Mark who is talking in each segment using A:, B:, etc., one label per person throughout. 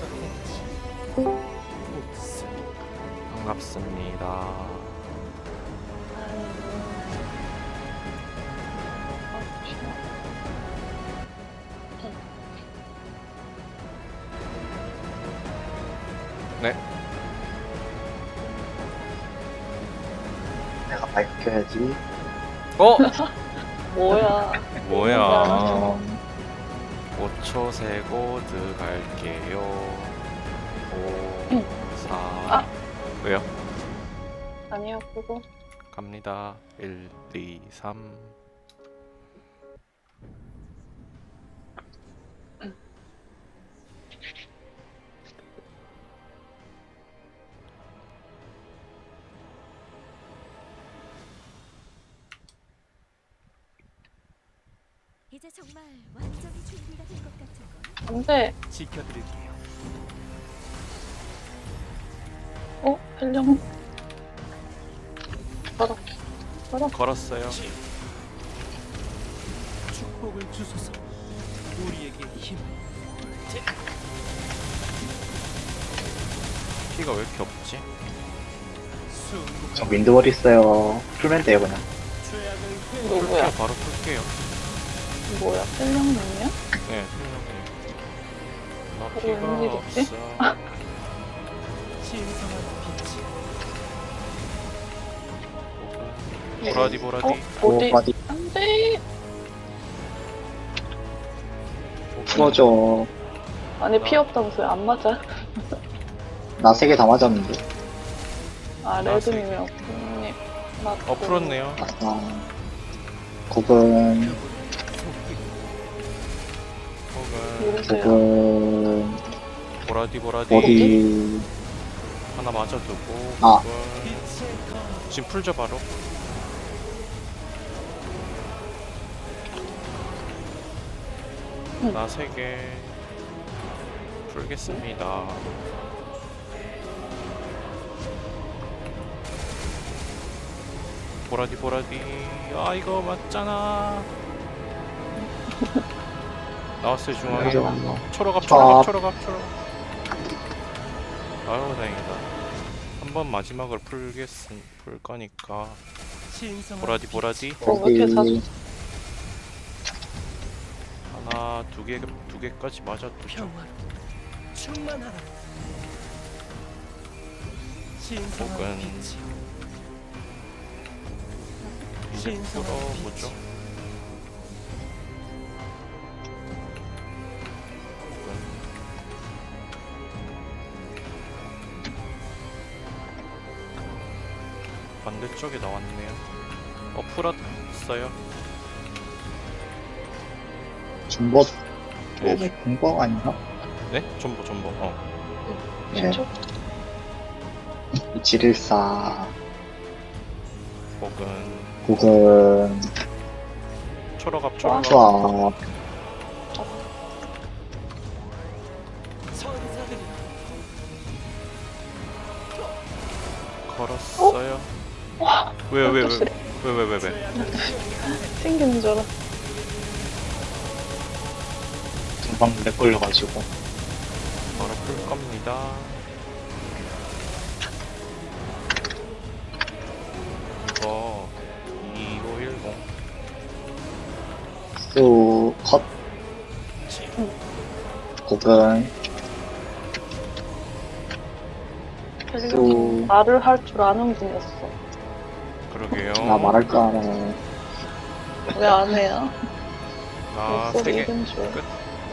A: 반갑습니다. 네.
B: 내가 밝혀야지.
A: 어?
C: 뭐야?
A: 뭐야? 5초 세고 들어갈게요. 5, 4.
C: 아.
A: 왜요?
C: 아니요, 그거.
A: 갑니다. 1, 2, 3.
D: 이제 정말 완전히 준비가 된 것 같은 걸.
C: 안 돼.
E: 지켜드릴게요.
C: 헬령.
A: 걸었어요.
E: 축복을 주소서. 우리에게 힘.
A: 피가 왜 이렇게 없지?
B: 저 윈드월 있어요. 풀면 돼요, 그냥.
E: 죄악을
A: 풀게요.
C: 누구야?
A: 바로 풀게요.
C: 뭐야? 헬령님이야?
A: 네, 설명해. 나
C: 왜
A: 피가
C: 웬일이지?
A: 없어.
E: 신성한 빛이
A: 보라디 보라디.
C: 어디?
B: 바디
C: 안 돼.
B: 풀어줘.
C: 아니, 피 없다면서요? 안 맞아?
B: 나 3개 다 맞았는데.
C: 아, 레드님이 없군요. 맞고.
A: 풀었네요.
B: 아싸. 국은,
A: 혹은
C: 모르세요.
B: 국은,
A: 보라디 보라디.
B: 어디,
A: 하나 맞아두고.
B: 아.
A: 혹은
E: 빛의 검.
A: 지금 풀죠 바로. 나 3개 풀겠습니다. 보라디 보라디. 아 이거 맞잖아. 나왔어요 중앙에. 초록앞 초록앞 초록앞 초록. 아유 다행이다. 한번 마지막으로 풀 거니까.
E: 신성한
A: 보라디 보라디.
C: 왜 이렇게 자주.
A: 하나 두 개까지 맞아두죠.
E: 평화로 충만하라. 신성한
A: 혹은
E: 빛이
A: 이제
E: 신성한
A: 풀어보죠. 반대쪽에 나왔네요. 풀었어요.
B: 중복,
A: 네.
B: 중복 아닌가?
A: 네? 전보.
B: 네.
C: 저
B: 2714,
A: 혹은
B: 국은,
A: 초록앞
C: 초록.
B: 수압,
E: 천사들이
A: 걸었어요. 왜?
E: 죄악을
C: 튕기는 줄 알았어.
B: 금방 렉 걸려가지고.
A: 바로 풀 겁니다. 이거 2510
B: 수, 컷, 국은,
C: 헬령.
B: 수,
C: 말을 할 줄 아는 분이었어.
A: 그러게요.
B: 나 말할 줄 알아.
C: 왜 안 해요?
A: 나
C: 목소리
A: 3개
C: 이름 줄.
A: 끝.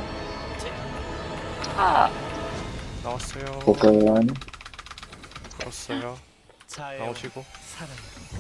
C: 아,
A: 나왔어요.
B: 국은,
A: 풀었어요.
E: 자애와
A: 나오시고.
E: 사랑.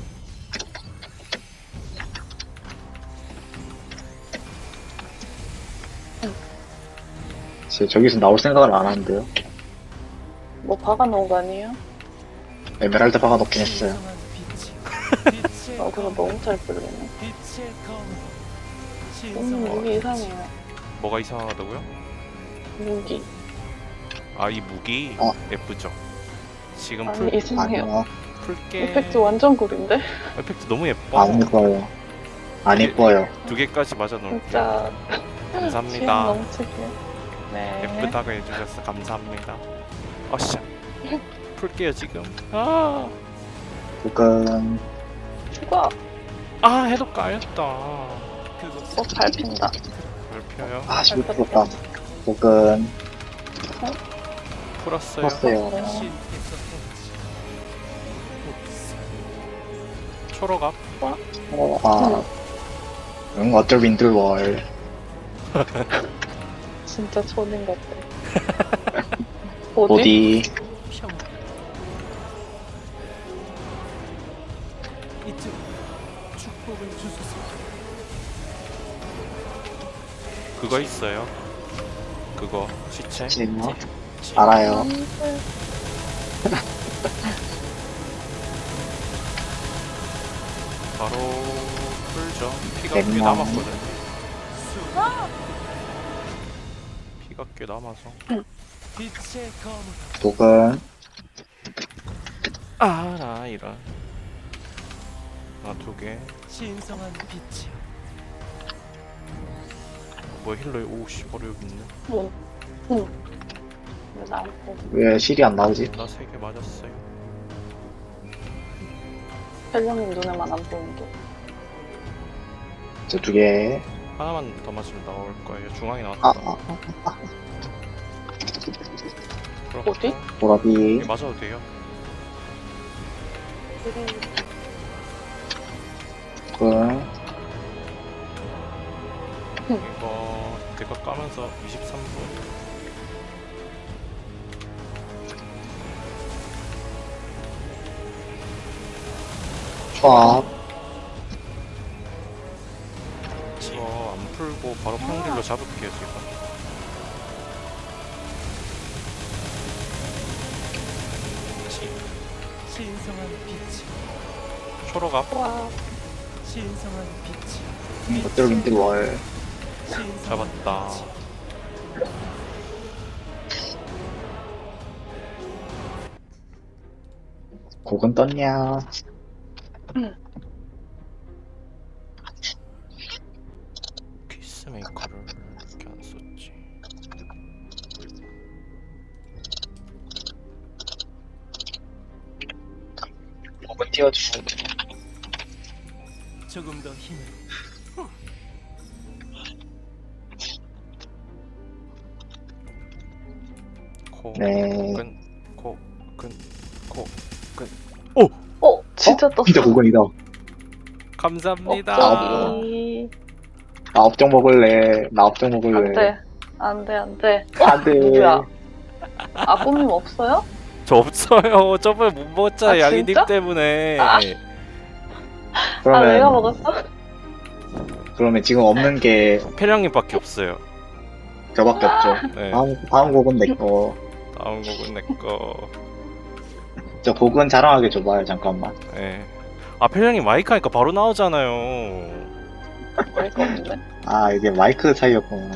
B: 저기서 나올 생각을 안 하는데요.
C: 뭐 박아놓은 거 아니에요?
B: 에메랄드 박아놓긴 했어요.
E: 신성한 빛이 빛의
C: 아, 그거
E: 검.
C: 너무 잘 풀리네.
E: 빛의 검.
C: 오늘
E: 신성한
C: 무기 이상해요.
A: 뭐가 이상하다고요?
C: 무기.
A: 아 이 무기 예쁘죠? 지금
C: 아니, 이상해요.
B: 아니요,
A: 풀게.
C: 이펙트 완전 꿀인데?
A: 에펙트 너무 예뻐.
B: 안 이뻐요. 안 이뻐요.
A: 2개까지 맞아 놓을게요.
C: 진짜 취향
A: 감사합니다.
C: 넘치게. 네.
A: 예쁘다고 해주셔서 감사합니다. 어샤. 풀게요 지금. 아,
B: 복근.
C: 추가.
A: 아 해도 까였다.
E: 그곳
C: 밟힌다.
A: 잘 피어요.
B: 아, 11%다. 복근.
A: 풀었어요.
B: 컸어요.
E: 신께서
A: 초록앞.
B: 어쩔 윈들월.
C: 진짜 초딩 같아. 어디?
B: 보디.
E: 평 이쪽 축복을 주소서.
A: 그거 있어요. 그거 시체.
B: 지금 알아요.
A: 바로 풀죠. 피가 꽤
B: 백만.
A: 남았거든요. 피가 꽤 남아서.
E: 빛의 검으로
B: 복근.
A: 아, 나 이런. 나 두 개.
E: 신성한 빛이여.
A: 뭐 힐러에 오씨 바로 여기 있네.
C: 응. 응. 왜 나를 보고.
B: 왜 실이 안 나오지?
A: 나 세 개 맞았어요.
C: 펠령님 눈에만 안 보이게.
B: 저 2개.
A: 하나만 더 맞으면 나올 거예요. 중앙에
B: 아,
A: 나왔다.
B: 아,
A: 그렇고.
C: 어디?
B: 보라비.
A: 여기 맞아도 돼요.
B: 복근.
A: 이거 대가 까면서 23분.
B: 초합.
A: 이거 안 풀고 바로 평딜로 잡을게요 지금.
E: 신성한 빛이
A: 초록앞.
C: 와.
E: 신성한 빛이
B: 어쩔 윈들월.
A: 잡았다.
B: 곡은 떴냐?
A: 피스메이커를 이렇게 안 썼지.
B: 곡은 띄워주시면 돼요.
E: 조금 더 힘을
A: 코.
B: 네.
A: 끈. 코. 끈. 코. 끈.
C: 진짜 떴어.
B: 진짜 곡은이다.
A: 감사합니다.
C: 갑자기.
B: 나 업종 먹을래. 나 업종 먹을래.
C: 안 돼. 안 돼, 안 돼.
B: 안 돼.
C: 누구야? 아, 꿈님 없어요?
A: 저 없어요. 저번에 못 먹었잖아.
C: 아,
A: 양이님
C: 진짜?
A: 때문에.
C: 아. 아, 내가 먹었어?
B: 그러면 지금 없는 게
A: 패령님밖에 없어요.
B: 저밖에 없죠.
A: 네.
B: 다음 곡은 내 거.
A: 다음 곡은 내 거.
B: 저 곡은 자랑하게 줘봐요. 잠깐만.
A: 네. 아 패령님 마이크 하니까 바로 나오잖아요.
C: 어이가 없네.
B: 아, 이게 마이크 차이였구나.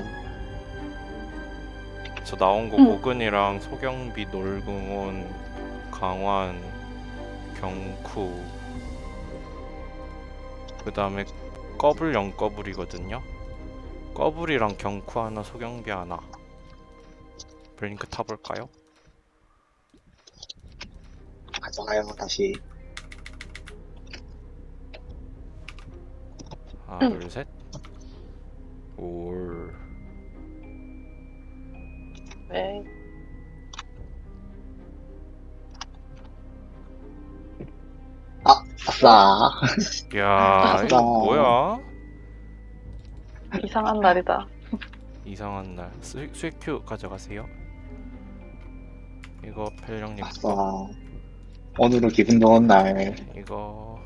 A: 저 나온 거 고근이랑 소경비, 놀궁온, 강환, 경쿠. 그 다음에 꺼불 0꺼불이거든요. 꺼불이랑 경쿠 하나, 소경비 하나. 블링크 타볼까요?
B: 가져가요, 다시.
A: 하나, 둘, 셋. 올.
C: 왜?
B: 아싸.
A: 야, 이거 뭐야?
C: 이상한 날이다.
A: 이상한 날. 수익 큐 가져가세요. 이거 펠령님
B: 아싸.
A: 거.
B: 오늘은 기분 좋은 날.
A: 이거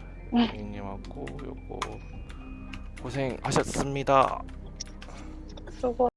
A: 님하고 요거 고생하셨습니다.
C: 수고.